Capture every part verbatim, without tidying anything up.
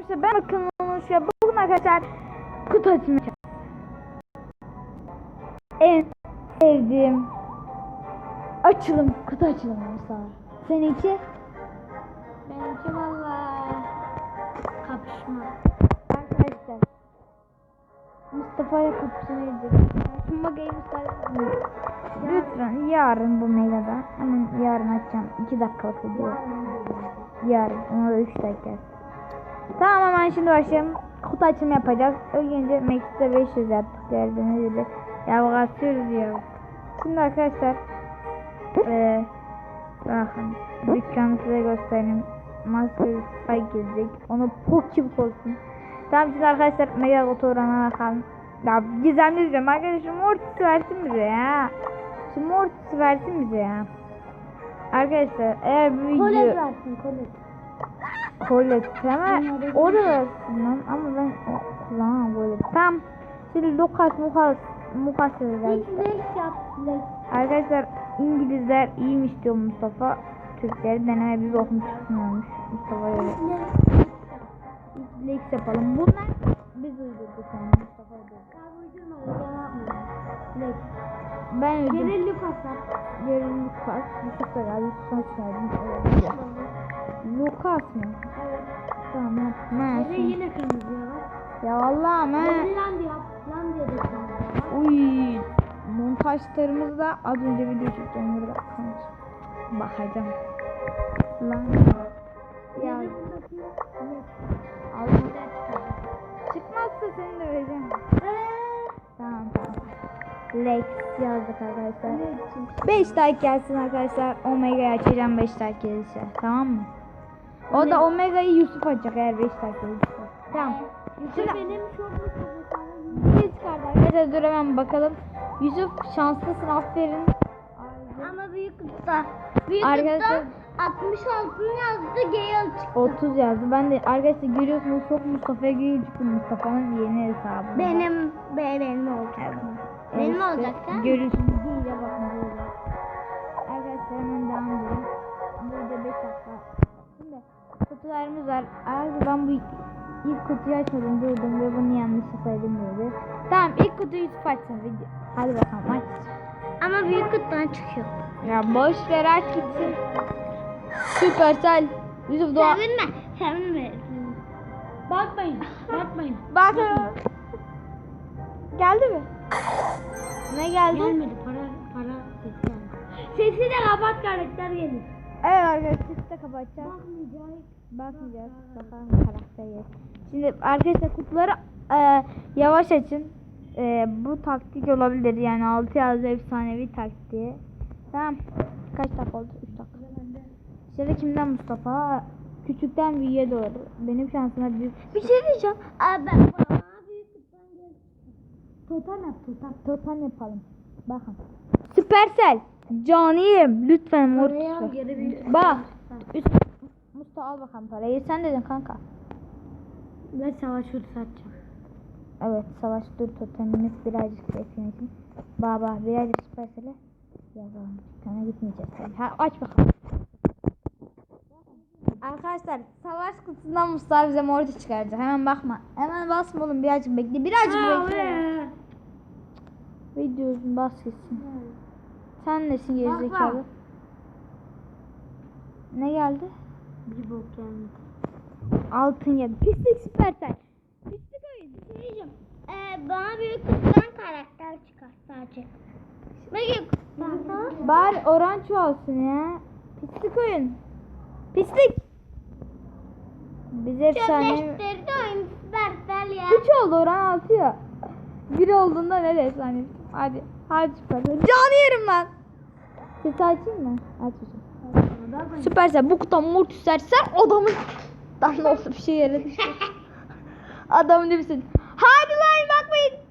arkadaşlar ben bakın olmuş ya. Bugün arkadaşlar kutu açımı yapacağım. En sevdiğim açılım kutu açılımı mesela. Seninki? Benimki valla kapışma. Arkadaşlar Mustafa'ya kapışma edeceğiz. Şimdi bakayım Mustafa. Lütfen yarın bu mailada. Hemen yarın açacağım. iki dakikalık video. Yarın. Ona da üç dakika. Tamam hemen şimdi başlayalım. Kutu açımı yapacağız. Önce Max'te beş yüz yaptık. Gördüğünüz gibi. Ya bakıyoruz ya. Şimdi arkadaşlar. Eee. Bakın. Dükkanı size göstereyim. Maske Spike gelecek. Onu pokçuk olsun. Tamam şimdi arkadaşlar Mega Otoran'a bakalım. Ya gizemli diyorum arkadaşlar. Mortis versin bize ya. Şu Mortis versin bize ya. Arkadaşlar eğer bu video Kolet versin kolet. Kolet ama o da versin lan ama ben kullanamam Kolet. Tamam. Şimdi Lucas Mukas Mukas versin. Lex yap Lex. Arkadaşlar İngilizler iyiymiş diyor Mustafa. Türkleri deneme bir bakım çıkmıyormuş. Mustafa öyle. Lex yapalım. Bunlar biz uydurduk yani Mustafa uydurdu. Lex. Ben uydurdum. Geri Lucas yap. Geri Lucas. Yusuf da geldi. Sonuç verdim. Lucas mı? Evet. Tamam yap. Geri yine kırmızı ya. Ya vallahi ama. Land yap. Land diye de kırmızı var. Uy. Montajlarımızda az önce video çektim. Burada kalmış. Bakacağım. Lan. Ya. Allah. Çıkmazsa seni de vereceğim. Tamam tamam. Lex yazdık arkadaşlar. beş like gelsin arkadaşlar. Omega'yı açacağım beş like gelirse. Tamam mı? O da Omega'yı Yusuf açacak eğer beş like gelirse. Tamam. Yusuf benim çok Bir çıkardı arkadaşlar. Dur hemen bakalım. Yusuf şanslısın aferin. ama büyük kutuda. Büyük Arkadaşlar kutuda altmış altı yazdı Gale çıktı. otuz yazdı. Ben de arkadaşlar görüyorsunuz çok Mustafa'ya geliyor çıktı. Mustafa'nın yeni hesabı. Benim be, benim olacak. Benim Evet, olacak değil mi? görüyorsunuz değil ya bakın böyle. Arkadaşlar hemen devam edelim. Burada beş dakika. Şimdi kutularımız var. Abi ben bu ilk kutuyu açmadım durdum ve bunu yanlışlıkla saydım böyle. Tamam ilk kutuyu Yusuf açsın video. Hadi bakalım aç. Ama büyük kutudan çıkıyor. Ya boş ver aç gitsin. Süpersel. Yusuf Doğa. Sevinme. Sevinme. Bakmayın. Bakmayın. Bakın. Geldi mi? Ne geldi? Gelmedi. Para para sesi geldi. Sesi de kapat karakter gelir. Evet arkadaşlar sesi de kapatacağız. Bakmayacağız. Bakmayacağız. Bakalım karakteri. Şimdi arkadaşlar kutuları e, yavaş açın. E, bu taktik olabilir yani altı yazı efsanevi taktiği. Tamam. Kaç dakika oldu? üç dakika. Şöyle kimden Mustafa? Küçükten büyüğe doğru. Benim şansıma büyük. Bir şey diyeceğim. Abi ben bana büyük kutudan geldi. Totem yap totem. Totem yapalım. Bakın. Süpersel. Caniyim. Lütfen mor. Bak. Üst. Mustafa al bakalım parayı. Sen dedin kanka. Ben savaş hırsı atacağım. Evet savaş dur totemimiz birazcık bekleyelim. Baba birazcık Süpersel'e yazalım. Sana gitmeyeceğiz. Ha, aç bakalım. Arkadaşlar savaş kutusundan Mustafa bize mortis çıkaracak. Hemen bakma. Hemen basma oğlum birazcık bekle. Birazcık bekle. Videosun bas gitsin. Sen nesin gerizekalı? Ne geldi? Bir bok geldi. Altın geldi. Pislik Süpersel. Pislik oyun. Bir şey diyeceğim. Ee, bana büyük kutudan karakter çıkar sadece. Büyük kutudan. Bari orange olsun ya. Pislik oyun. Pislik. Bize efsane. Çöpleştirdi oyun Süpersel ya. üç oldu oran altı ya. bir olduğunda ne efsane. Hadi. Hadi Süpersel. Canı yerim lan. Sesi açayım mı? Aç hocam. Süpersel bu kutudan mortis sersen adamın. Lan ne olsa bir şey yere düştü. Adamın demişsin. Hadi lan bakmayın.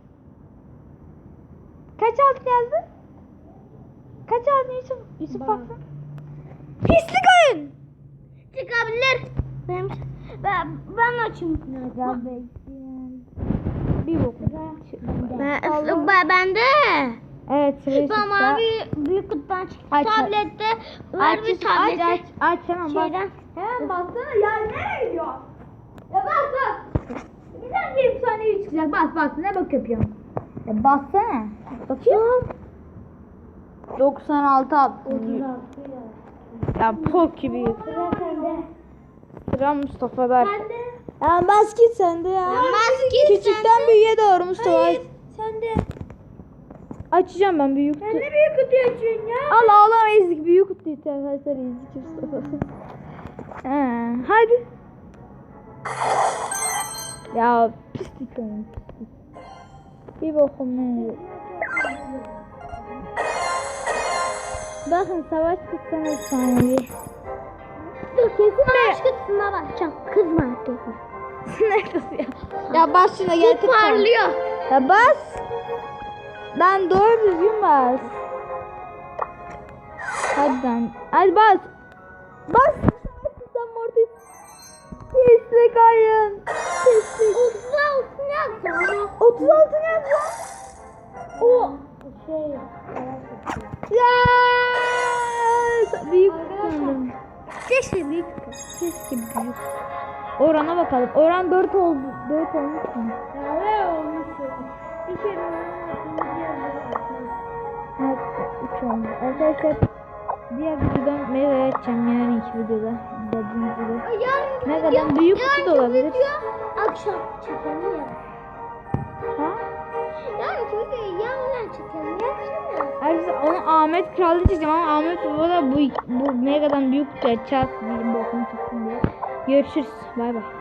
Kaç altın yazdı? Kaç altın Yusuf? Yusuf baksana. Pislik oyun. Çıkabilir. Benim, ben, ben açayım. Ya bekleyin. Bir bok. Ben, Allah. ben, ben de. Evet sırayı Bana bir büyük kutudan çıktı. Aç. Tablette var Aç, bir aç, tablette. aç, aç, hemen bak. Şeyden. Hemen baksana ya nereye gidiyor? Ya bak bak. çıkacak. Bas bas. Ne bak yapıyorsun? E bassana. Bakayım. doksan altı attı. Ya pok gibi. Sıra sende. Sıra Mustafa'da. Sende. Ya bas git sen de ya. Bas git Küçükten büyüğe doğru Mustafa. Hayır. Sende. Açacağım ben büyük. Sen ne büyük kutu açıyorsun ya? Al ağlama ezik büyük kutu ister. Arkadaşlar ezik Mustafa. Ee, hadi. Ya pislik oyun pislik. Bir bokum ne yok. Bakın savaş kutsan efsanevi. Dur kesin ben aşk kutusuna bakacağım. Kızma artık. Neresi ya? Ya bas şuna gel Çok parlıyor. Ya bas. Lan doğru düzgün bas. Hadi lan. Hadi bas. Bas. Sen mortis. Pislik oyun. Pislik. otuz altı ne yapacağım? otuz altı ne yapıyor? O şey. Ya. Büyük sandım. Keşke büyük. Keşke büyük. Orana bakalım. Oran dört oldu. dört olmuş mu? Ya ne olmuş? Bir kere Evet, üç oldu. Arkadaşlar diğer videodan meyve açacağım yarınki videoda. Dediğiniz gibi. Ne kadar büyük kutu da olabilir. Akşam çekelim ya. Ha? Yani çünkü yarın çekelim. Yapsana. Arkadaşlar onu Ahmet Kral'da çekeceğim ama Ahmet Baba da bu, bu Mega'dan büyük kutu açacağız. Bir bokunu çıksın diye. Görüşürüz. Bay bay.